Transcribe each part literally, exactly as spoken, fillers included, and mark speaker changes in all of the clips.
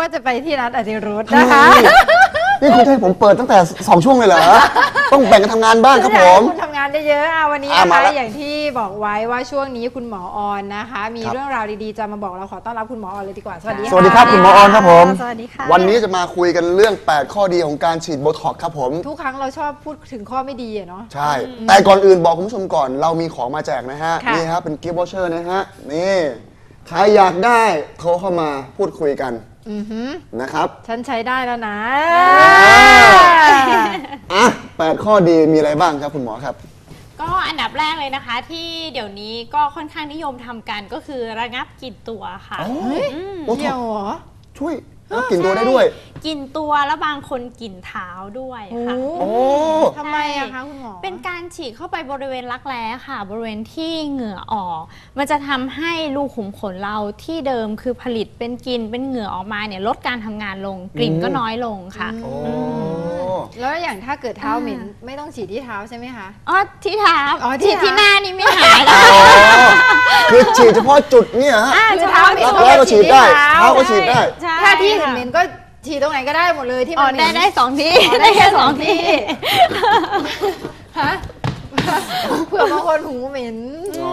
Speaker 1: ว่าจะไปที่นัดอธิรุธนะคะ
Speaker 2: นี่คุณให้ผมเปิดตั้งแต่สองช่วงเลยเหรอต้องแบ่งกันทำงานบ้างครับผม
Speaker 1: คุณทำงานได้เยอะวันนี้นะคะอย่างที่บอกไว้ว่าช่วงนี้คุณหมอออนนะคะมีเรื่องราวดีๆจะมาบอกเราขอต้อนรับคุณหมอออนเลยดีกว่าสวัสดีค่ะ
Speaker 2: สวัสดีครับคุณหมอออนครับผม
Speaker 1: สวัสดีค่ะ
Speaker 2: วันนี้จะมาคุยกันเรื่องแปดข้อดีของการฉีดโบท็อกซ์ครับผม
Speaker 1: ทุกครั้งเราชอบพูดถึงข้อไม่ดีเนาะ
Speaker 2: ใช่แต่ก่อนอื่นบอกคุณผู้ชมก่อนเรามีของมาแจกนะฮะนี่ครับเป็นกิฟต์วอเชอร์นะฮะนี่ใครอยากได้โทรเข้ามาพูดคุยกันนะครับ
Speaker 1: ฉันใช้ได้แล้วนะ
Speaker 2: อ่ะแปดข้อดีมีอะไรบ้างครับคุณหมอครับ
Speaker 3: ก็อันดับแรกเลยนะคะที่เดี๋ยวนี้ก็ค่อนข้างนิยมทำกันก็คือระงับกลิ่นตัวค่ะ
Speaker 2: โอ้เกี่ยวเหรอช่วยระงับกลิ่นตัวได้ด้วย
Speaker 3: กลิ่นตัวแล้วบางคนกลิ่นเท้าด้วยค่ะ
Speaker 2: โอ้
Speaker 1: ทำไมอะคะคุณหมอ
Speaker 3: เป็นการฉีดเข้าไปบริเวณรักแร้ค่ะบริเวณที่เหงื่อออกมันจะทำให้รูขุมขนเราที่เดิมคือผลิตเป็นกลิ่นเป็นเหงื่อออกมาเนี่ยลดการทำงานลงกลิ่นก็น้อยลงค่ะ
Speaker 1: แล้วอย่างถ้าเกิดเท้าเหม็นไม่ต้องฉีดที่เท้าใช่ไหมคะ
Speaker 3: อ๋อที่เท้าฉีดที่หน้านี่ไม่หาย
Speaker 2: คือฉีดเฉพาะจุดเนี่ยฮะ
Speaker 1: เท้าเหม็น
Speaker 2: ก็ฉีดได้เท้าก็ฉีดได้
Speaker 1: ถ้าที่เหม็นก็ฉีดตรงไหนก็ได้หมดเลยที่มัน
Speaker 3: ได้ได้สองที่ได้แค่สองที่
Speaker 1: ฮะเผื่อบางคนหูเหม็น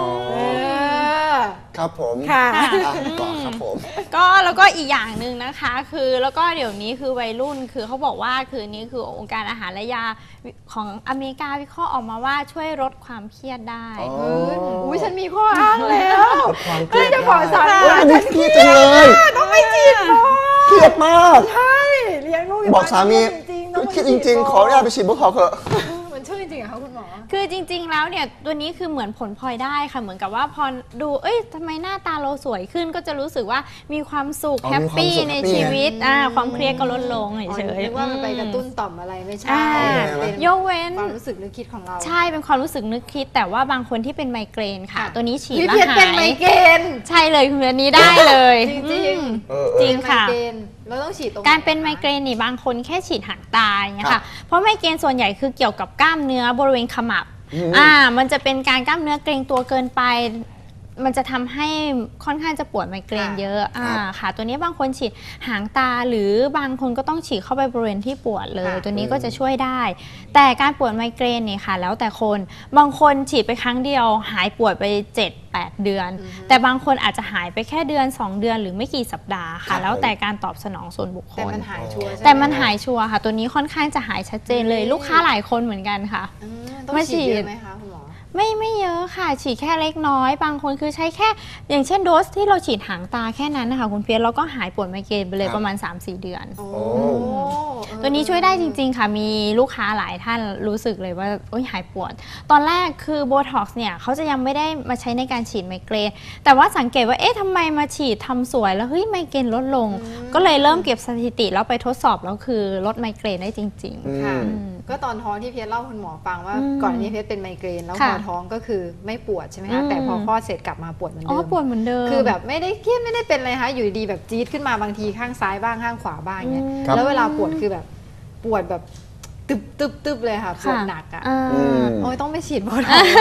Speaker 2: ครับผม
Speaker 1: ค่ะ
Speaker 2: ต่อครับผม
Speaker 3: ก็แล้วก็อีกอย่างหนึ่งนะคะคือแล้วก็เดี๋ยวนี้คือวัยรุ่นคือเขาบอกว่าคือนี้คือองค์การอาหารและยาของอเมริกาวิเคราะห์ออกมาว่าช่วยลดความเครียดได้
Speaker 1: อุ้ยฉันมีข้ออ้างแล้วก็จะขอสอน
Speaker 2: ฉันเครียดจังเลย
Speaker 1: ต้องไม่จีบหรอ
Speaker 2: เครียดมาก
Speaker 1: ใช่เลี้ยงลูก
Speaker 2: บอกสามีเครียดจริงๆขออนุญาตไปฉีดโบท็อกซ์เถอะ
Speaker 1: มันช่วยจริงๆเหรอคะคุณหมอ
Speaker 3: คือจริงๆแล้วเนี่ยตัวนี้คือเหมือนผลพลอยได้ค่ะเหมือนกับว่าพอดูเอ้ยทำไมหน้าตาเราสวยขึ้นก็จะรู้สึกว่ามีความสุขแฮปปี้ในชีวิตอ่าความเครียดก็ลดลงเฉย
Speaker 1: ๆว่ามันไปกระตุ้นต่อมอะไรไม่ใช่
Speaker 3: ยกเว้น
Speaker 1: ความรู้สึกนึกคิดของเรา
Speaker 3: ใช่เป็นความรู้สึกนึกคิดแต่ว่าบางคนที่เป็นไมเกรนค่ะตัวนี้ฉีด
Speaker 1: แล้วหายเป็นไมเกรน
Speaker 3: ใช่เลยคืออันนี้ได้เลย
Speaker 1: จริงจริง
Speaker 3: จริงค่ะ
Speaker 1: เราต้องฉีดตรง
Speaker 3: การเป็นไมเกรนนี่บางคนแค่ฉีดหางตาอย่างเงี้ยค่ะเพราะไมเกรนส่วนใหญ่คือเกี่ยวกับกล้ามเนื้อบริเวณขมับอ่ามันจะเป็นการกล้ามเนื้อเกร็งตัวเกินไปมันจะทำให้ค่อนข้างจะปวดไมเกรนเยอะอ่าค่ะตัวนี้บางคนฉีดหางตาหรือบางคนก็ต้องฉีดเข้าไปบริเวณที่ปวดเลยตัวนี้ก็จะช่วยได้แต่การปวดไมเกรนเนี่ยค่ะแล้วแต่คนบางคนฉีดไปครั้งเดียวหายปวดไปเจ็ดแปดเดือนแต่บางคนอาจจะหายไปแค่เดือนสองเดือนหรือไม่กี่สัปดาห์ค่ะแล้วแต่การตอบสนองส่วนบุคคลแต่
Speaker 1: มันหายชัวร์
Speaker 3: แต่มันหายชัวร์ค่ะตัวนี้ค่อนข้างจะหายชัดเจนเลยลูกค้าหลายคนเหมือนกันค่ะ
Speaker 1: ต้องฉีดไหมคะคุณหมอ
Speaker 3: ไม่ไม่เยอะค่ะฉีดแค่เล็กน้อยบางคนคือใช้แค่อย่างเช่นโดสที่เราฉีดหางตาแค่นั้นนะคะคุณเพียรแล้วก็หายปวดไมเกรนไปเลยประมาณ สามสี่ เดือนตัวนี้ช่วยได้จริงๆค่ะมีลูกค้าหลายท่านรู้สึกเลยว่าโอ๊ยหายปวดตอนแรกคือโบท็อกซ์เนี่ยเขาจะยังไม่ได้มาใช้ในการฉีดไมเกรนแต่ว่าสังเกตว่าเอ๊ะทำไมมาฉีดทำสวยแล้วเฮ้ยไมเกรนลดลงก็เลยเริ่มเก็บสถิติแล้วไปทดสอบแล้วคือลดไมเกรนได้จริง
Speaker 1: ๆค่ะก็ตอนท้องที่เพียรเล่าคุณหมอฟังว่าก่อนนี้เพียรเป็นไมเกรนแล้วพอท้องก็คือไม่ปวดใช่ไหมคะแต่พอคลอดเสร็จกลับมาปวดเหมือนเดิม
Speaker 3: อ๋อปวดเหมือนเดิม
Speaker 1: คือแบบไม่ได้เครียดไม่ได้เป็นอะไรคะอยู่ดีแบบจี๊ดขึ้นมาบางทีข้างซ้ายบ้างข้างขวาบ้างเงี้ยแล้วเวลาปวดคือแบบปวดแบบตึบตึบตึบเลยค่ะปวดหนักอ่ะโอ้ยต้องไปฉีดโบท็อกซ์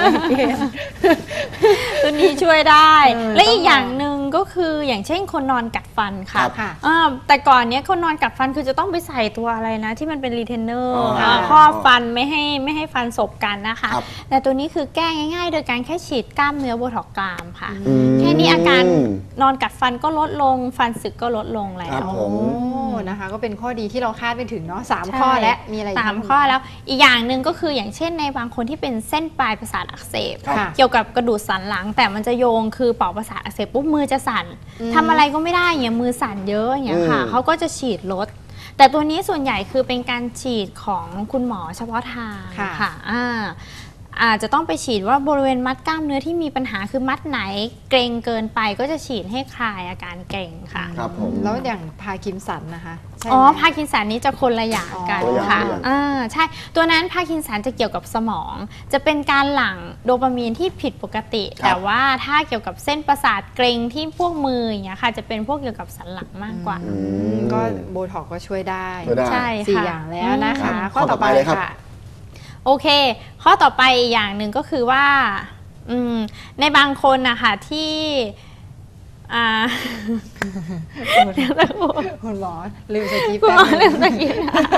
Speaker 3: ตัวนี้ช่วยได้และอีกอย่างหนึ่งก็คืออย่างเช่นคนนอนกัดฟันค่ะแต่ก่อนเนี้ยคนนอนกัดฟันคือจะต้องไปใส่ตัวอะไรนะที่มันเป็นรีเทนเนอร์ครอบฟันไม่ให้ไม่ให้ฟันสบกันนะคะแต่ตัวนี้คือแก้ง่ายๆโดยการแค่ฉีดกล้ามเนื้อโบท็อกซ์กรามค่ะแค่นี้อาการนอนกัดฟันก็ลดลงฟันสึกก็ลดลงแล้ว
Speaker 1: นะคะก็เป็นข้อดีที่เราคาดไปถึงเนาะสามข้อและมีอะไร
Speaker 3: สามข้อแล้วอีกอย่างหนึ่งก็คืออย่างเช่นในบางคนที่เป็นเส้นปลายประสาทอักเสบเกี่ยวกับกระดูกสันหลังแต่มันจะโยงคือปลอกประสาทอักเสบปุ๊บมือจะสั่นทำอะไรก็ไม่ได้อย่างมือสั่นเยอะอย่างเงี้ยค่ะเขาก็จะฉีดลดแต่ตัวนี้ส่วนใหญ่คือเป็นการฉีดของคุณหมอเฉพาะทางค่ะอาจจะต้องไปฉีดว่าบริเวณมัดกล้ามเนื้อที่มีปัญหาคือมัดไหนเกร็งเกินไปก็จะฉีดให้คลายอาการเกร็งค่ะ
Speaker 2: ครับผม
Speaker 1: แล้วอย่างพาร์กินสันนะคะ
Speaker 3: อ๋อพาร์กินสันนี้จะคนละอย่างกันค่ะอ่าใช่ตัวนั้นพาร์กินสันจะเกี่ยวกับสมองจะเป็นการหลั่งโดปามีนที่ผิดปกติแต่ว่าถ้าเกี่ยวกับเส้นประสาทเกร็งที่พวกมืออย่างเงี้ยค่ะจะเป็นพวกเกี่ยวกับสันหลังมากกว่า
Speaker 1: ก็โบท็อกซ์ก็ช่วยได้
Speaker 3: ใช่ค่ะ
Speaker 1: สี่อย่างแล้วนะคะข้อต่อไปเลยค่ะ
Speaker 3: โอเคข้อต่อไปอย่างหนึ่งก็คือว่าในบางคนนะคะที่อ่า
Speaker 1: คุณหมอลืมสกี
Speaker 3: คุณหมอลืมสกี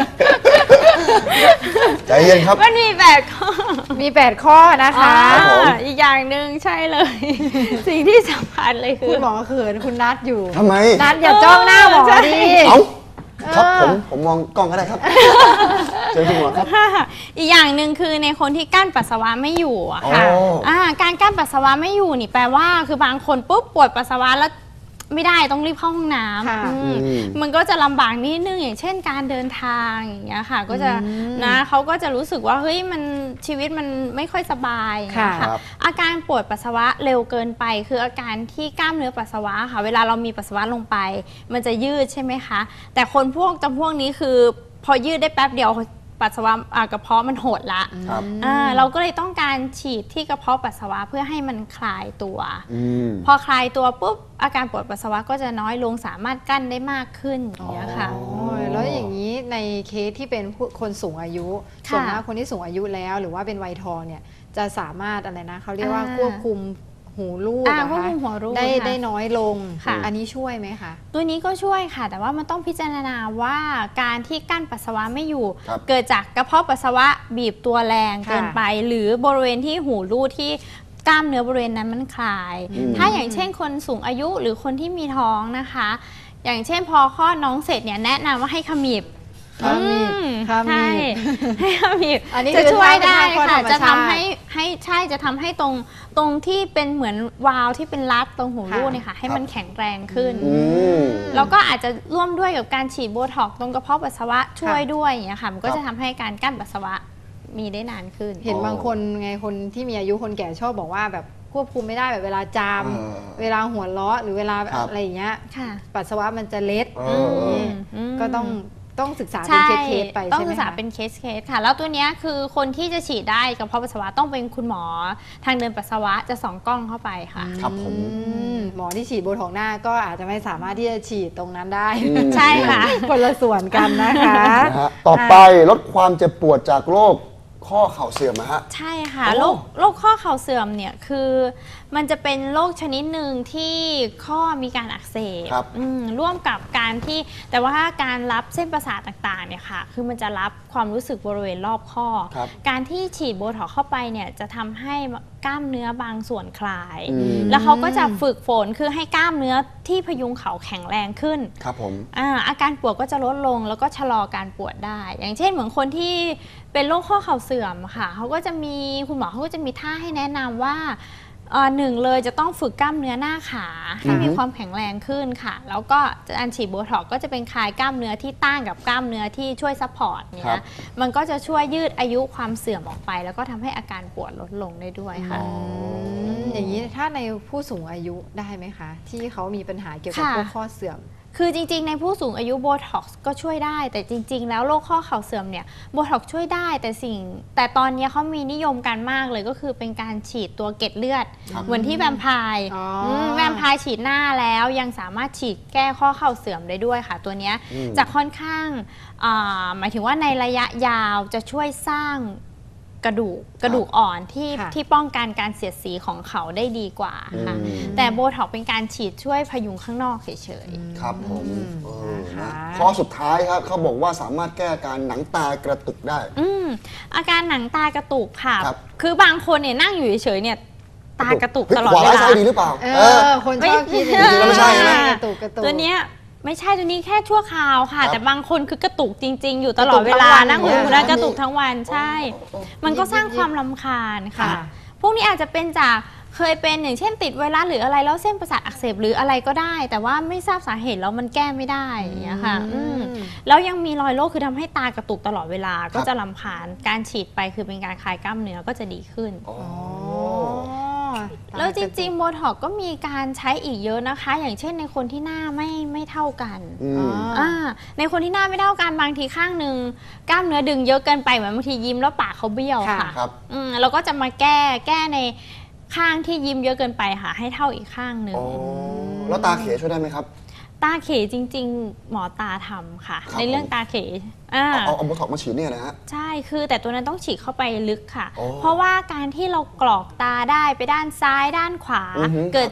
Speaker 2: ใจเย็นครับ
Speaker 3: มันมีแปดข้อ
Speaker 1: มีแปดข้อนะคะ
Speaker 2: ครับผม
Speaker 3: อีกอย่างหนึ่งใช่เลย สิ่งที่สำคัญเลยคื
Speaker 1: คุ
Speaker 3: อ
Speaker 1: ณหมอเขินคุณนัทอยู่
Speaker 2: ทำไม
Speaker 1: นัทอย่าจ้องหน้าหมอดิ
Speaker 2: เอ้าครับ
Speaker 1: เออ
Speaker 2: ผมผมมองกล้องก็ได้ครับเจอคุณหมอครับ
Speaker 3: อีกอย่างหนึ่งคือในคนที่กั้นปัสสาวะไม่อยู่อะค่ะ
Speaker 2: อ๋ออ่
Speaker 3: าการกั้นปัสสาวะไม่อยู่นี่แปลว่าคือบางคนปุ๊บปวดปัสสาวะแล้วไม่ได้ต้องรีบเข้าห้องน้
Speaker 1: ค่ะ
Speaker 3: ำอืม
Speaker 2: อืม
Speaker 3: มันก็จะลำบากนิดนึงอย่างเช่นการเดินทางอย่างเงี้ยค่ะ ก็จะ
Speaker 1: อืม
Speaker 3: นะเขาก็จะรู้สึกว่าเฮ้ยมันชีวิตมันไม่ค่อยสบายอย่างเงี้ย
Speaker 1: ค่ะ
Speaker 3: ค่ะ
Speaker 2: ครับ
Speaker 3: อาการปวดปัสสาวะเร็วเกินไป คืออาการที่กล้ามเนื้อปัสสาวะค่ะ เวลาเรามีปัสสาวะลงไป มันจะยืดใช่ไหมคะ แต่คนพวกจำพวกนี้คือพอยืดได้แป๊บเดียวปัสสาวะอ่ากระเพาะมันหดละ
Speaker 2: ครับ
Speaker 3: อ่าเราก็เลยต้องการฉีดที่กระเพาะปัสสาวะเพื่อให้มันคลายตัว
Speaker 2: อืม
Speaker 3: พอคลายตัวปุ๊บอาการปวดปัสสาวะก็จะน้อยลงสามารถกั้นได้มากขึ้นอย่างเงี้ยค่ะ
Speaker 2: อ๋อ
Speaker 1: โอ้ยแล้วอย่างนี้ในเคสที่เป็นผู้คนสูงอายุ
Speaker 3: ค่ะ
Speaker 1: ส่วนมากคนที่สูงอายุแล้ว หรือว่าเป็นวัยทองเนี่ยจะสามารถอะไรนะเขาเรียกว่า
Speaker 3: อ่า
Speaker 1: ควบคุมหูรูด
Speaker 3: อ่า
Speaker 1: นะ
Speaker 3: ควบ
Speaker 1: คะ
Speaker 3: คุมหัวรูด
Speaker 1: ได้
Speaker 3: ค่ะ
Speaker 1: ได้น้อยลง
Speaker 3: ค่ะ
Speaker 1: อันนี้ช่วยไหมคะ
Speaker 3: ตัวนี้ก็ช่วยค่ะ แต่ว่ามันต้องพิจารณาว่าการที่กั้นปัสสาวะไม่อยู่
Speaker 2: ครับ
Speaker 3: เกิดจากกระเพาะปัสสาวะบีบตัวแรง
Speaker 1: ค่ะ
Speaker 3: เกินไป หรือบริเวณที่หูรูดที่กล้ามเนื้อบริเวณนั้นมันคลาย
Speaker 2: อืม
Speaker 3: ถ้าอย่างเช่นคนสูงอายุหรือคนที่มีท้องนะคะ อย่างเช่นพอคลอดน้องเสร็จเนี่ยแนะนำว่าให้ขมิบ
Speaker 1: ขมิบ
Speaker 3: อืม
Speaker 1: ขมิบ
Speaker 3: ใช่ให้ขมิบ
Speaker 1: อันนี้
Speaker 3: จะ
Speaker 1: คือ
Speaker 3: ช่วยได้
Speaker 1: ท่า
Speaker 3: ค่ะ
Speaker 1: เป็นท่าคลอดธรรม
Speaker 3: จะ
Speaker 1: ชา
Speaker 3: ทำ
Speaker 1: ติ
Speaker 3: ให้ให้ใช่จะทำให้ตรงตรงที่เป็นเหมือนวาล์วที่เป็นรัดตรงหูรูด
Speaker 1: ค่ะ
Speaker 3: เนี่ยค่ะให้มันแข็งแรงขึ้น
Speaker 2: อืม
Speaker 3: แล้วก็อาจจะร่วมด้วยกับการฉีดโบท็อกซ์ตรงกระเพาะปัสสาวะช่วยด้วยอย่างเงี้ยค่ะมันก็
Speaker 2: ครับ
Speaker 3: จะทำให้การกั้นปัสสาวะมีได้นานขึ้น
Speaker 1: เห็น
Speaker 2: อ๋อ
Speaker 1: บางคนไงคนที่มีอายุคนแก่ชอบบอกว่าแบบควบคุมไม่ได้แบบเวลาจาม
Speaker 2: เออ
Speaker 1: เวลาหัวเราะหรือเวลา
Speaker 2: ครับ
Speaker 1: อะไรอย่างเงี้ย
Speaker 3: ค่ะ
Speaker 1: ปัสสาวะมันจะเล็ด
Speaker 2: เออเออ
Speaker 3: อืม
Speaker 1: ก็ต้องต้องศึกษาเป็น
Speaker 3: ใช่
Speaker 1: เคสๆไป
Speaker 3: ต้อง
Speaker 1: ใช่ไหม
Speaker 3: ศึกษา
Speaker 1: คะ
Speaker 3: เป็นเคสเคสค่ะ แล้วตัวเนี้ยคือคนที่จะฉีดได้กับกระเพาะปัสสาวะต้องเป็นคุณหมอทางเดินปัสสาวะจะส่องกล้องเข้าไปค่ะ
Speaker 2: ครับผม
Speaker 1: อืมหมอที่ฉีดโบท็อกซ์หน้าก็อาจจะไม่สามารถที่จะฉีดตรงนั้นได้
Speaker 2: อืม
Speaker 3: ใช่ค่ะ
Speaker 1: คนละส่วนกันนะคะ
Speaker 2: นะฮะต่อไปลดความเจ็บปวดจากโรคข้อเข่าเสื่อมนะฮะ
Speaker 3: ใช่ค่ะ
Speaker 2: โอ้
Speaker 3: โรคโรคข้อเข่าเสื่อมเนี่ยคือมันจะเป็นโรคชนิดหนึ่งที่ข้อมีการอักเสบ
Speaker 2: ครับ
Speaker 3: อืมร่วมกับการที่แต่ว่าการรับเส้นประสาทต่างๆเนี่ยค่ะคือมันจะรับความรู้สึกบริเวณรอบข้อ
Speaker 2: ครับ
Speaker 3: การที่ฉีดโบท็อกซ์เข้าไปเนี่ยจะทำให้กล้ามเนื้อบางส่วนคลาย
Speaker 2: อืม
Speaker 3: แล้วเขาก็จะฝึกฝนคือให้กล้ามเนื้อที่พยุงเขาแข็งแรงขึ้น
Speaker 2: ครับผม
Speaker 3: อาอาการปวดก็จะลดลงแล้วก็ชะลอการปวดได้ อย่างเช่นเหมือนคนที่เป็นโรคข้อเข่าเสื่อมค่ะเขาก็จะมีคุณหมอเขาก็จะมีท่าให้แนะนำว่าเอ่อหนึ่งเลยจะต้องฝึกกล้ามเนื้อหน้าขาให้มีความแข็งแรงขึ้นค่ะ แล้วก็การฉีดโบท็อกซ์ก็จะเป็นคลายกล้ามเนื้อที่ต้านกับกล้ามเนื้อที่ช่วยซัพพอร์ต
Speaker 2: ครั
Speaker 3: เนี้
Speaker 2: บ
Speaker 3: ยมันก็จะช่วยยืดอายุความเสื่อมออกไป แล้วก็ทำให้อาการปวดลดลงได้ด้วยค่ะ
Speaker 1: อืมอย่างนี้ถ้าในผู้สูงอายุได้ไหมคะ ที่เขามีปัญหาเกี่ยวกับ
Speaker 3: ค่ะ
Speaker 1: พวกข้อเสื่อม
Speaker 3: คือจริงๆ ในผู้สูงอายุโบท็อกซ์ก็ช่วยได้ แต่จริง ๆ แล้วโรคข้อเข่าเสื่อมเนี่ยโบท็อกซ์ช่วยได้แต่สิ่ง แต่ตอนนี้เขามีนิยมกันมากเลยก็คือเป็นการฉีดตัวเกล็ดเลือด
Speaker 2: ครับ
Speaker 3: เหมือนที่แวมไพร์
Speaker 1: อ๋ออื
Speaker 3: มแวมไพร์ฉีดหน้าแล้วยังสามารถฉีดแก้ข้อเข่าเสื่อมได้ด้วยค่ะ ตัวเนี้ย
Speaker 2: อืม
Speaker 3: จะค่อนข้างอ่าหมายถึงว่าในระยะยาวจะช่วยสร้างกระดูกกระดูกอ่อนที่
Speaker 1: ค่ะ
Speaker 3: ที่ป้องกันการเสียดสีของเขาได้ดีกว่าค่ะ
Speaker 2: อืม
Speaker 3: แต่โบท็อกซ์เป็นการฉีดช่วยพยุงข้างนอกเฉยๆ
Speaker 2: ครับผม
Speaker 1: อืม
Speaker 2: เออ
Speaker 1: นะคะ
Speaker 2: นะข้อสุดท้ายครับเขาบอกว่าสามารถแก้อาการหนังตากระตุกได้
Speaker 3: อืมอาการหนังตากระตุกค่ะ
Speaker 2: ครับ
Speaker 3: คือบางคนเนี่ยนั่งอยู่เฉยๆเนี่ยตากระตุก
Speaker 2: เฮ้ย
Speaker 3: ตลอด
Speaker 2: ขวา
Speaker 3: เว
Speaker 2: ร้าย
Speaker 3: ลา
Speaker 2: ซ้ายดีหรือเปล่า
Speaker 1: เอ
Speaker 2: เออ
Speaker 1: อ คนชอบคิดอย่าง
Speaker 2: จริงๆแล้วไม่ใช่นะ
Speaker 1: กระตุกกระตุก
Speaker 3: ตัวเนี้ยไม่ใช่ตัวนี้แค่ชั่วคราวค่ะ
Speaker 2: ครับ
Speaker 3: แต่บางคนคือกระตุกจริง ๆ อยู่ตลอดเวลา
Speaker 1: กระตุกทั้งวัน
Speaker 3: นั่งอยู่
Speaker 1: เนี่ย
Speaker 3: แล้วกระตุกทั้งวันใช่
Speaker 2: โอ้โอ้โอ้
Speaker 3: มันก็สร้างความรำคาญค่ะ
Speaker 1: ค่ะ
Speaker 3: พวกนี้อาจจะเป็นจากเคยเป็นอย่างเช่นติดไวรัสหรืออะไรแล้วเส้นประสาทอักเสบหรืออะไรก็ได้ แต่ว่าไม่ทราบสาเหตุแล้วมันแก้ไม่ได้อย่างเงี้ยค่ะอืม แล้วยังมีรอยโรคคือทำให้ตากระตุกตลอดเวลาก็จะรำคาญการฉีดไปคือเป็นการคลายกล้ามเนื้อก็จะดีขึ้น
Speaker 2: อ๋อ
Speaker 3: แล้วจริงๆโบท็อกซ์ก็มีการใช้อีกเยอะนะคะ อย่างเช่นในคนที่หน้าไม่ไม่เท่ากัน
Speaker 2: อืม
Speaker 3: อ่าในคนที่หน้าไม่เท่ากันบางทีข้างหนึ่งกล้ามเนื้อดึงเยอะเกินไปเหมือนบางทียิ้มแล้วปากเขาเบี้ยว
Speaker 1: ค่ะ
Speaker 3: ค่ะ
Speaker 2: ครับ
Speaker 3: อืมเราก็จะมาแก้แก้ในข้างที่ยิ้มเยอะเกินไปค่ะให้เท่าอีกข้างหนึ่ง
Speaker 2: อ๋อ แล้วตาเขช่วยได้ไหมครับ
Speaker 3: ตาเขจริง ๆ หมอตาทำค่ะ
Speaker 2: ครับ
Speaker 3: ในเรื่องตาเขอ่า
Speaker 2: เอาเอาโบท็อกซ์มาฉีดเนี่ยนะฮะ
Speaker 3: ใช่ คือแต่ตัวนั้นต้องฉีดเข้าไปลึกค่ะ
Speaker 2: โอ้
Speaker 3: เพราะว่าการที่เรากรอกตาได้ไปด้านซ้ายด้านขวา
Speaker 2: อือฮึ
Speaker 3: เกิดจาก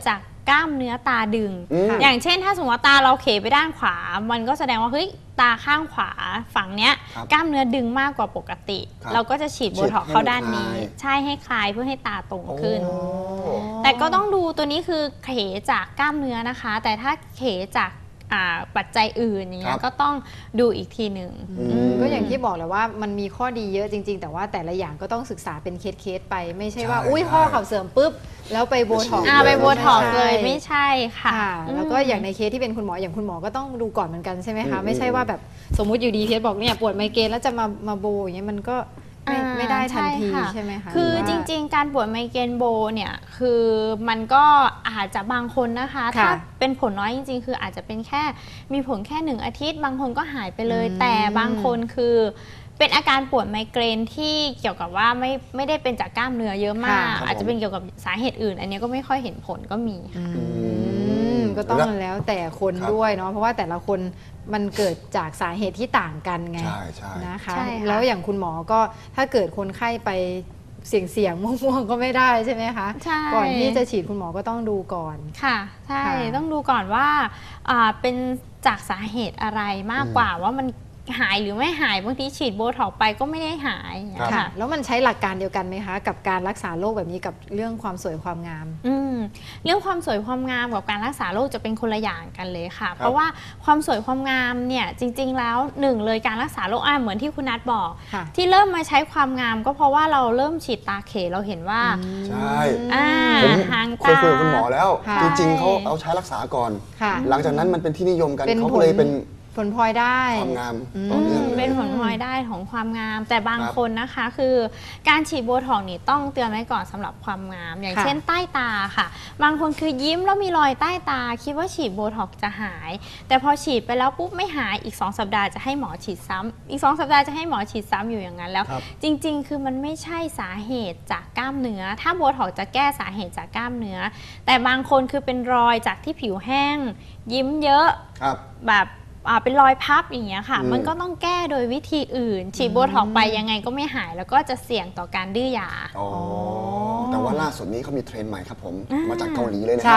Speaker 3: กล้ามเนื้อตาดึง
Speaker 2: อืม
Speaker 3: อย่างเช่นถ้าสมมติว่าตาเราเขไปด้านขวา มันก็แสดงว่าเฮ้ยตาข้างขวาฝั่งเนี้ย
Speaker 2: ครับ
Speaker 3: กล้ามเนื้อดึงมากกว่าปกติ
Speaker 2: ครับ
Speaker 3: เราก็จะฉีดโบท็อกซ์
Speaker 2: ฉีดให้
Speaker 3: เข้าด้านนี้
Speaker 2: มันคลาย
Speaker 3: ใช่ให้คลายเพื่อให้ตาตรงขึ้น
Speaker 2: โอ้
Speaker 3: แต่ก็ต้องดูตัวนี้คือเขจากกล้ามเนื้อนะคะ แต่ถ้าเขจากอ่าปัจจัยอื่นอย่างเงี้
Speaker 2: ครั
Speaker 3: ย
Speaker 2: บ
Speaker 3: ก็ต้องดูอีกทีหนึ่ง
Speaker 2: อืม
Speaker 3: อืม
Speaker 1: ก็อย่างที่บอกแหละว่ามันมีข้อดีเยอะจริง ๆ แต่ว่าแต่ละอย่างก็ต้องศึกษาเป็นเคสๆไป ไม่ใช่ว่า
Speaker 2: ใช่
Speaker 1: อุ้ย
Speaker 2: ใช่
Speaker 1: ข้อเข่าเสื่อมปุ๊บแล้วไปโบท็อกซ์
Speaker 3: อ่าไปโบท็อกซ์
Speaker 1: ไม่
Speaker 3: เลย
Speaker 1: ใช่
Speaker 3: ไม่ใช่ค่ะ
Speaker 1: ค่ะ
Speaker 3: อืม
Speaker 1: แล้วก็อย่างในเคสที่เป็นคุณหมออย่างคุณหมอก็ต้องดูก่อนเหมือนกันใช่ไหมคะ
Speaker 2: อืม
Speaker 1: ไม่ใช่ว่าแบบสมมุติอยู่ดีเคสบอกเนี่ยปวดไมเกรนแล้วจะมามาโบอย่างเงี้ยมันก็ไม่
Speaker 3: อ่า
Speaker 1: ไม่ได้ทันที
Speaker 3: ใช่ค่ะ
Speaker 1: ใช่ไหมคะ
Speaker 3: คือ
Speaker 1: หว่า
Speaker 3: จริงๆ การปวดไมเกรนโบเนี่ยคือมันก็อาจจะบางคนนะคะ
Speaker 1: ค่ะ
Speaker 3: ถ้าเป็นผลน้อยจริงๆ คืออาจจะเป็นแค่มีผลแค่หนึ่งอาทิตย์ บางคนก็หายไปเลย
Speaker 1: อืม
Speaker 3: แต่บางคนคือเป็นอาการปวดไมเกรนที่เกี่ยวกับว่าไม่ไม่ได้เป็นจากกล้ามเนื้อเยอะมาก
Speaker 2: ค่ะ
Speaker 3: อาจจะเป็นเกี่ยวกับสาเหตุอื่น อันนี้ก็ไม่ค่อยเห็นผลก็มี
Speaker 1: อื
Speaker 2: อื
Speaker 1: ม
Speaker 2: ม
Speaker 1: ก็ต้องแล้วแต่คน
Speaker 2: ครับ
Speaker 1: ด้วยเนาะเพราะว่าแต่ละคนมันเกิดจากสาเหตุที่ต่างกันไง
Speaker 2: ใช่ใช่
Speaker 1: นะคะ
Speaker 3: ใช่ค่ะ
Speaker 1: แล้วอย่างคุณหมอก็ถ้าเกิดคนไข้ไปเสี่ยงเสี่ยงๆม่วงๆก็ไม่ได้ใช่ไหมคะ
Speaker 3: ใช่
Speaker 1: ก่อนที่จะฉีดคุณหมอก็ต้องดูก่อน
Speaker 3: ค่ะใช่
Speaker 1: ค่ะ
Speaker 3: ต้องดูก่อนว่าอ่าเป็นจากสาเหตุอะไรมากกว่าว่ามันหายหรือไม่หายบางทีฉีดโบท็อกซ์ไปก็ไม่ได้หายอย่างเงี้ย
Speaker 2: ครับ
Speaker 1: ค่ะ
Speaker 3: ค่ะ
Speaker 1: แล้วมันใช้หลักการเดียวกันไหมคะ กับการรักษาโรคแบบนี้กับเรื่องความสวยความงาม
Speaker 3: อืมเรื่องความสวยความงามกับการรักษาโรคจะเป็นคนละอย่างกันเลยค่ะ เพราะว่าความสวยความงามเนี่ยจริงๆแล้วหนึ่งเลยการรักษาโรคอ่ะเหมือนที่คุณนัทบอก
Speaker 1: ค่ะ
Speaker 3: ที่เริ่มมาใช้ความงามก็เพราะว่าเราเริ่มฉีดตาเขเราเห็นว่า
Speaker 2: ใช่
Speaker 3: อ่า
Speaker 2: ผม
Speaker 3: หาง
Speaker 2: เคย
Speaker 3: ตา
Speaker 2: คุยกับคุณหมอแล้ว
Speaker 1: ค่ะ
Speaker 2: จริงๆเขาเอาใช้รักษาก่อน
Speaker 1: ค่ะ
Speaker 2: หลังจากนั้นมันเป็นที่นิยมกัน
Speaker 1: เป็น
Speaker 2: เขา
Speaker 1: ผ
Speaker 2: ก็
Speaker 1: ล
Speaker 2: เลยเป็น
Speaker 1: ผลพลอยได้
Speaker 2: ความงาม
Speaker 1: อืม
Speaker 2: ต่อ
Speaker 3: อื
Speaker 2: เนื่อง
Speaker 3: ม
Speaker 2: เลย
Speaker 3: เป็นผลพลอยได้ของความงาม แต่บาง
Speaker 2: ครับ
Speaker 3: คนนะคะคือการฉีดโบท็อกซ์นี่ต้องเตือนไว้ก่อนสำหรับความงาม อย่าง
Speaker 1: ค่ะ
Speaker 3: เช่นใต้ตาค่ะ บางคนคือยิ้มแล้วมีรอยใต้ตา คิดว่าฉีดโบท็อกซ์จะหาย แต่พอฉีดไปแล้วปุ๊บไม่หายอีกสองสัปดาห์จะให้หมอฉีดซ้ำอีกสองสัปดาห์จะให้หมอฉีดซ้ำอยู่อย่างนั้นแล้ว
Speaker 2: ครับ
Speaker 3: จริงๆ คือมันไม่ใช่สาเหตุจากกล้ามเนื้อ ถ้าโบท็อกซ์จะแก้สาเหตุจากกล้ามเนื้อ แต่บางคนคือเป็นรอยจากที่ผิวแห้ง ยิ้มเยอะ
Speaker 2: ครับ
Speaker 3: แบบอ่าเป็นรอยพับอย่างเงี้ยค่ะ
Speaker 2: อืม
Speaker 3: มันก็ต้องแก้โดยวิธีอื่น ฉีดโบท็อกซ์ไปยังไงก็ไม่หาย แล้วก็จะเสี่ยงต่อการดื้อยา
Speaker 2: อ๋อแต่ว่าล่าสุดนี้เขามีเทรนด์ใหม่ครับผม มาจากเกาหลีเลยนะ
Speaker 1: ใช
Speaker 2: ครั่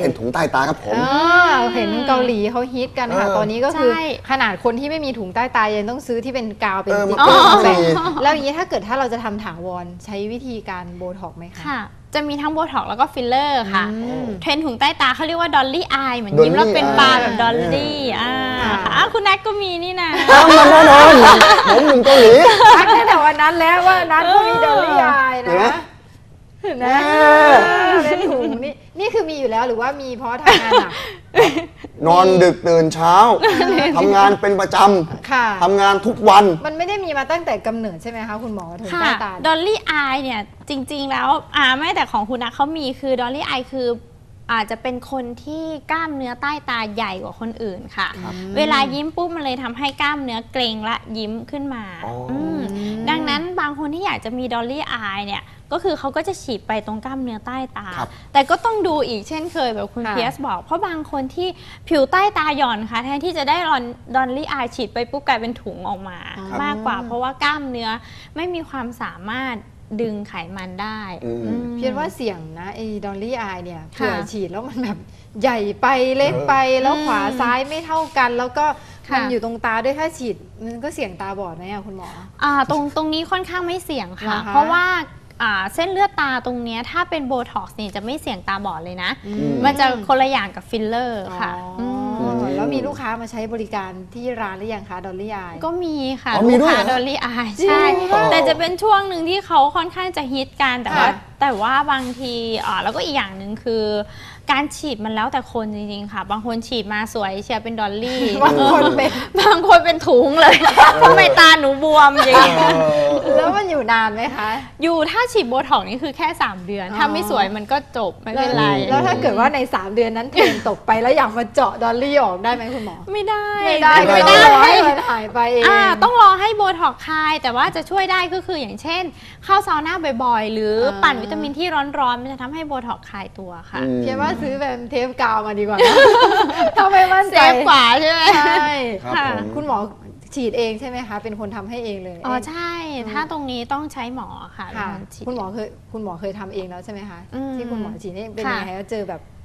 Speaker 2: เป็นถุงใต้ตาครับผม
Speaker 1: เออเห็นเกาหลีเขาฮิตกันค่ะ
Speaker 2: เออ
Speaker 1: ตอนนี้ก็คือ
Speaker 3: ใช่
Speaker 1: ขนาดคนที่ไม่มีถุงใต้ตายังต้องซื้อที่เป็นกาวเป็น
Speaker 2: เออ
Speaker 1: ติ๊ก
Speaker 2: มัน
Speaker 1: เกอร์
Speaker 2: ก็
Speaker 1: มาแปะ
Speaker 2: มี
Speaker 1: แล้วอย่างนี้ถ้าเกิดถ้าเราจะทำถาวรใช้วิธีการโบท็อกซ์ไหมคะ
Speaker 3: ค่ะ จะมีทั้งโบท็อกซ์แล้วก็ฟิลเลอร์ค่ะ
Speaker 1: อืม
Speaker 3: เทรนด์ถุงใต้ตาเขาเรียกว่าดอลลี่อายเหมือน
Speaker 2: Dolly
Speaker 3: ยิ้มแล้วเป็นปลาแบบ
Speaker 2: eye
Speaker 3: ดอลลี่อ่า
Speaker 1: อ่า
Speaker 3: ค่ะอ้าวคุณนัทก็มีนี่นะ
Speaker 2: อ้าวมันแน่นอนผมหนุ่มเกาหลี
Speaker 1: ทักตั้งแต่วันนั้นแล้วว่านัทก็มีดอลลี่อาย
Speaker 2: เห็นไหม
Speaker 1: นะนะเป็นถุงนี่นี่คือมีอยู่แล้วหรือว่ามีเพราะทำงานหนัก
Speaker 2: นอนดึกตื่นเช้าทำงานเป็นประจ
Speaker 1: ค่ะ
Speaker 2: ำทำงานทุกวัน
Speaker 1: มันไม่ได้มีมาตั้งแต่กำเนิดใช่ไหมคะคุณหมอถุง
Speaker 3: ค่ะ
Speaker 1: ใต้ตา
Speaker 3: ดอลลี่อายเนี่ยจริงๆแล้วอ่าไม่แต่ของคุณนัทเขามีคือดอลลี่อายคืออาจจะเป็นคนที่กล้ามเนื้อใต้ตาใหญ่กว่าคนอื่นค่ะ
Speaker 2: ครับ
Speaker 3: เวลายิ้มปุ๊บมันเลยทำให้กล้ามเนื้อเกร็งและยิ้มขึ้นมา
Speaker 2: อ๋ออื
Speaker 3: มดังนั้นบางคนที่อยากจะมีดอลลี่อายเนี่ยก็คือเขาก็จะฉีดไปตรงกล้ามเนื้อใต้ตา
Speaker 2: ครับ
Speaker 3: แต่ก็ต้องดูอีกเช่นเคยแบบคุณ
Speaker 1: ค่ะ
Speaker 3: เพียสบอก เพราะบางคนที่ผิวใต้ตาหย่อนค่ะแทนที่จะได้ดอลลี่อายฉีดไปปุ๊บกลายเป็นถุงออกมา
Speaker 1: ครับ
Speaker 3: มากกว่า เพราะว่ากล้ามเนื้อไม่มีความสามารถดึงไขมันได้
Speaker 2: อืม
Speaker 3: อืม
Speaker 1: เพียงว่าเสี่ยงนะไอ้ดอลลี่อายเนี่ย
Speaker 3: ค่ะ
Speaker 1: เผื่อฉีดแล้วมันแบบใหญ่ไปเล็กไปแล้วขวาซ้ายไม่เท่ากัน แล้วก็
Speaker 3: ค่ะ
Speaker 1: มันอยู่ตรงตาด้วยถ้าฉีดมันก็เสี่ยงตาบอดไหมอะคุณหมอ
Speaker 3: อ่าตรงตรงนี้ค่อนข้างไม่เสี่ยงค่ะ
Speaker 1: เหรอคะ
Speaker 3: เพราะว่าอ่าเส้นเลือดตาตรงเนี้ยถ้าเป็นโบท็อกซ์นี่จะไม่เสี่ยงตาบอดเลยนะ
Speaker 1: อืม
Speaker 3: มันจะคนละอย่างกับฟิลเลอร์ค่ะ
Speaker 1: อ๋อ
Speaker 3: ม
Speaker 1: อแล้วมีลูกค้ามาใช้บริการที่ร้านหรือยังคะดอลลี่อาย
Speaker 3: ก็มีค่ะ
Speaker 2: อ๋อมี
Speaker 3: ลูก
Speaker 2: ด้วย
Speaker 3: ค้า
Speaker 2: เหรอ
Speaker 3: ดอลลี่อาย
Speaker 1: จริง
Speaker 3: ใช่
Speaker 2: เหรอ
Speaker 3: แต่จะเป็นช่วงหนึ่งที่เขาค่อนข้างจะฮิตกันแต่ว่า
Speaker 1: ค่ะ
Speaker 3: แต่ว่าบางทีอ่าแล้วก็อีกอย่างหนึ่งคือ การฉีดมันแล้วแต่คนจริงๆค่ะ บางคนฉีดมาสวยเชียร์เป็นดอลลี่
Speaker 1: บางคนเป็น
Speaker 3: บางคนเป็นถุงเลยทำไมตาหนูบวมอย่างเงี้ย
Speaker 1: แล้วมันอยู่นานไหมคะ
Speaker 3: อยู่ถ้าฉีดโบท็อกซ์นี่คือแค่ สาม เดือน
Speaker 1: อ๋อ
Speaker 3: ถ้าไม่สวยมันก็จบไม่เป็นไร
Speaker 1: แล้วถ้าเกิดว่าใน สาม เดือนนั้นเทรนตกไปแล้วอยากมาเจาะดอลลี่ออกได้ไหมคุณหมอ
Speaker 3: ไม่ได้
Speaker 1: ไม่ได้
Speaker 2: ไม่
Speaker 1: ก็
Speaker 2: ได้
Speaker 1: ต้องรอให้มันหายไปเอง
Speaker 3: อ่าต้องรอให้โบท็อกซ์คลาย แต่ว่าจะช่วยได้ก็คืออย่างเช่น เข้าซาวน่าบ่อยๆ หรือปั่นวิตามินที่ร้อนๆ มันจะทำให้โบท็อกซ์คลายตัวค่ะ
Speaker 1: เพียงว่าซื้อแบบเทปกาวมาดีกว่านะ ถ้าไม่มั่น
Speaker 3: เซ
Speaker 1: ใจ
Speaker 3: ฟกว่าใช่ไหม
Speaker 1: ใช่
Speaker 2: ครับ
Speaker 3: ค่ะ
Speaker 2: ผม
Speaker 1: คุณหมอฉีดเองใช่ไหมคะ เป็นคนทำให้เองเลย
Speaker 3: อ๋อใช่ ถ้าตรงนี้ต้องใช้หมอค่ะ
Speaker 1: ค่ะ
Speaker 3: เป็นนฉีด
Speaker 1: คุณหมอเคยคุณหมอเคยทำเองแล้วใช่ไหมคะ
Speaker 3: อืม
Speaker 1: ที่คุณหมอฉีดนี่เป็น
Speaker 3: ค่ะ
Speaker 1: ยังไงคะเจอแบบ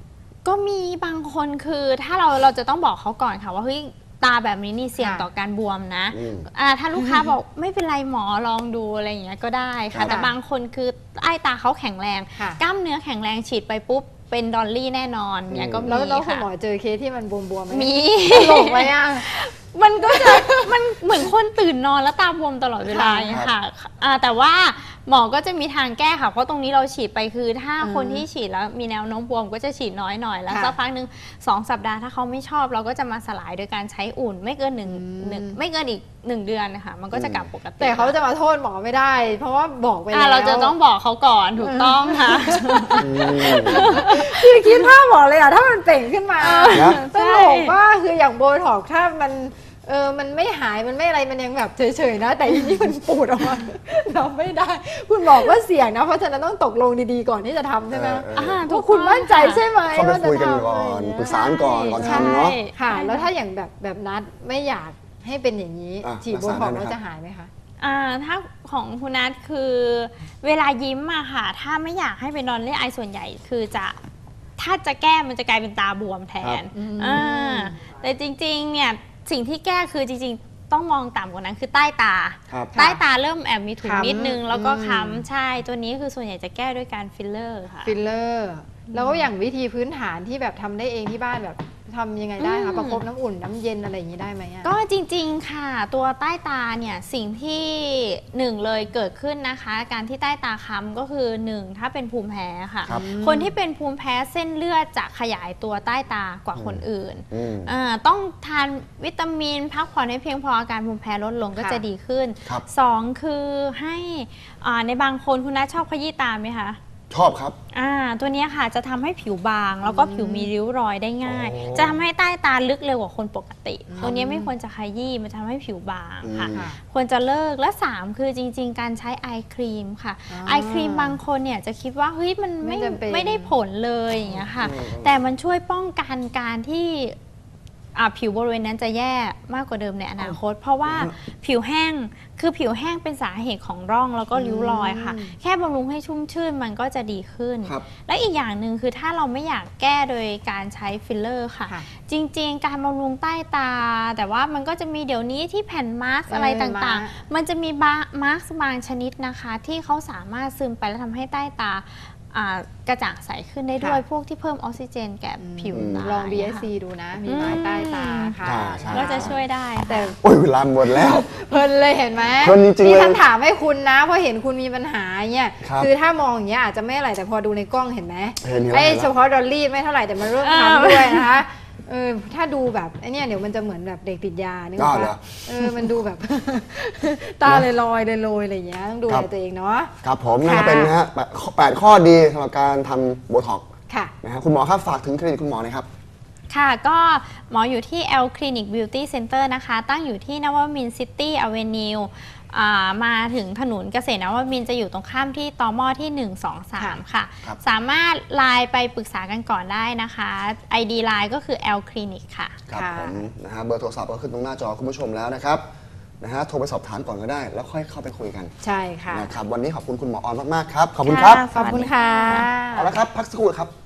Speaker 3: ก็มีบางคนคือถ้าเราเราจะต้องบอกเขาก่อนค่ะว่าเฮ้ยตาแบบนี้นี่เสี่ยงต่อการบวมนะอ่าถ้าลูกค้าบอกไม่เป็นไรหมอลองดูอะไรอย่างเงี้ยก็ได้ค่ะแต่บางคนคือใต้ตาเขาแข็งแรงกล้ามเนื้อแข็งแรงฉีดไปปุ๊บเป็นดอลลี่แน่นอนเนี่ยก็มีค่ะ
Speaker 1: แล้วคุณหมอเจอเคสที่มันบวมๆไหม
Speaker 3: มี
Speaker 1: ตลกไหมอ่ะ
Speaker 3: มันก็จะมันเหมือนคนตื่นนอนแล้วตาบวมตลอดเวลาค่ะแต่ว่าหมอก็จะมีทางแก้ค่ะเพราะตรงนี้เราฉีดไปคือถ้าคนที่ฉีดแล้วมีแนวโน้มบวมก็จะฉีดน้อยหน่อยแล้วสักพักหนึ่งสองสัปดาห์ถ้าเขาไม่ชอบเราก็จะมาสลายโดยการใช้อุ่นไม่เกินหนึ่งหนึ่งไม่เกินอีกหนึ่งเดือนนะคะมันก็จะกลับปกติ
Speaker 1: แต่เขาจะมาโทษหมอไม่ได้เพราะว่าบอกไปแล้ว
Speaker 3: เราจะต้องบอกเขาก่อนถูกต้องค่ะ
Speaker 1: คือคิดภาพบอกเลยอ่ะถ้ามันเป่งขึ้นมาตลกว่าคืออย่างโบท็อกถ้ามันเออมันไม่หายมันไม่อะไรมันยังแบบเฉยๆนะแต่ทีนี้มันปูดออกมาเราไม่ได้คุณบอกว่าเสี่ยงนะเพราะฉะนั้นต้องตกลงดีๆก่อนที่จะทำใช่ไหมทุกคุณมั่นใจใช่ไหม
Speaker 2: เขาไปคุยกันก่อนปรึกษาก่อนก่อนทำเนาะ
Speaker 1: ค่ะแล้วถ้าอย่างแบบแบบนัดไม่อยากให้เป็นอย่างนี้ฉีดโบท็อกแล้วจะหายไหมคะ
Speaker 3: อ่าถ้าของคุณนัทคือเวลายิ้มอะค่ะถ้าไม่อยากให้เป็นดอลลี่ไอส่วนใหญ่คือจะถ้าจะแก้มันจะกลายเป็นตาบวมแทนอ่าแต่จริงๆเนี่ยสิ่งที่แก้คือจริงๆต้องมองต่ำกว่านั้นคือใต้ตาใต้ตาเริ่มแอบมีถุงนิดนึงแล้วก็ค้ำใช่ตัวนี้คือส่วนใหญ่จะแก้ด้วยการฟิลเลอร์ค่ะ
Speaker 1: ฟิลเลอร์แล้วก็อย่างวิธีพื้นฐานที่แบบทำได้เองที่บ้านแบบทำยังไงได้คะประคบน้ำอุ่นน้ำเย็นอะไรอย่างนี้ได้ไหม
Speaker 3: ก็จริงๆค่ะตัวใต้ตาเนี่ยสิ่งที่หนึ่งเลยเกิดขึ้นนะคะการที่ใต้ตาค้ำก็คือหนึ่งถ้าเป็นภูมิแพ้ค่ะค, คนที่เป็นภูมิแพ้เส้นเลือดจะขยายตัวใต้ตากว่าคนอื่นต้องทานวิตามินพักผ่อนให้เพียงพออาการภูมิแพ้ลดลงก็จะดีขึ้นสองคือให้ในบางคนคุณน้าชอบขยี้ตาไหมคะ
Speaker 2: ชอบครับ
Speaker 3: อ่าตัวนี้ค่ะจะทำให้ผิวบางแล้วก็ผิวมีริ้วรอยได้ง่ายจะทำให้ใต้ตาลึกเร็วกว่าคนปกติตัวนี้ไม่ควรจะขยี้มันทำให้ผิวบางค่ะควรจะเลิกและสามคือจริงๆการใช้ไอครีมค่ะไอครีมบางคนเนี่ยจะคิดว่าเฮ้ยมันไม่ไม่ได้ผลเลยอย่างเงี้ยค่ะแต่มันช่วยป้องกันการที่ผิวบริเวณนั้นจะแย่มากกว่าเดิมในอนาคตเพราะว่าผิวแห้งคือผิวแห้งเป็นสาเหตุของร่องแล้วก็ริ้วรอยค่ะแค่บำรุงให้ชุ่มชื่นมันก็จะดีขึ้นและอีกอย่างหนึ่งคือถ้าเราไม่อยากแก้โดยการใช้ฟิลเลอร์ค่ะจริงๆการบำรุงใต้ตาแต่ว่ามันก็จะมีเดี๋ยวนี้ที่แผ่นมาสก์อะไรต่างๆมันจะมีมาสก์บางชนิดนะคะที่เขาสามารถซึมไปแล้วทำให้ใต้ตากระจ่างใสขึ้นได้ด้วยพวกที่เพิ่มออกซิเจนแก่ผิวตา
Speaker 1: ลอง บี เอส ซี ดูนะมีไม้ใต้ตาค่ะ
Speaker 3: ก็จะช่วยได้
Speaker 2: แต่โอ้ยเวลาหมดแล้ว
Speaker 1: เพลินเลยเห็นไหม
Speaker 2: เพลินจริงๆเลย
Speaker 1: นี่ฉันถามให้คุณนะเพราะเห็นคุณมีปัญหาเนี่ยคือถ้ามองอย่างเงี้ยอาจจะไม่อะไรแต่พอดูในกล้องเห็นไหมไอ้เฉพาะดอลลี่ไม่เท่าไหร่แต่มันเริ่มทำด้วยนะคะเออถ้าดูแบบไอ้นี่เดี๋ยวมันจะเหมือนแบบเด็กติดยานึกว่าเออมันดูแบบตาเลยลอยเลยลอยอะไรอย่างเงี้ยต้องดูแลตัวเองเนาะ
Speaker 2: ครับผมนั่นก็เป็นนะฮะแปดข้อดีสำหรับการทำโบท็อกซ์นะฮะคุณหมอครับฝากถึงคลินิกคุณหมอหน่อยครับ
Speaker 3: ค่ะก็หมออยู่ที่ L Clinic Beauty Center นะคะตั้งอยู่ที่นวมินทร์ซิตี้อเวนิวมาถึงถนนเกษตรนวมินทร์จะอยู่ตรงข้ามที่ตม.ที่หนึ่ง สอง สามค่ะสามารถไลน์ไปปรึกษากันก่อนได้นะคะ ไอ ดี ไลน์ก็คือ L Clinic ค่ะ
Speaker 2: ครับผมนะฮะเบอร์โทรศัพท์ก็ขึ้นตรงหน้าจอคุณผู้ชมแล้วนะครับนะฮะโทรไปสอบถามก่อนก็ได้แล้วค่อยเข้าไปคุยกัน
Speaker 1: ใช่ค่ะ
Speaker 2: นะครับวันนี้ขอบคุณคุณหมอออนมากๆครับขอบคุณครับ
Speaker 1: ขอบคุณค่ะ
Speaker 2: เอาละครับพักสักครู่ครับ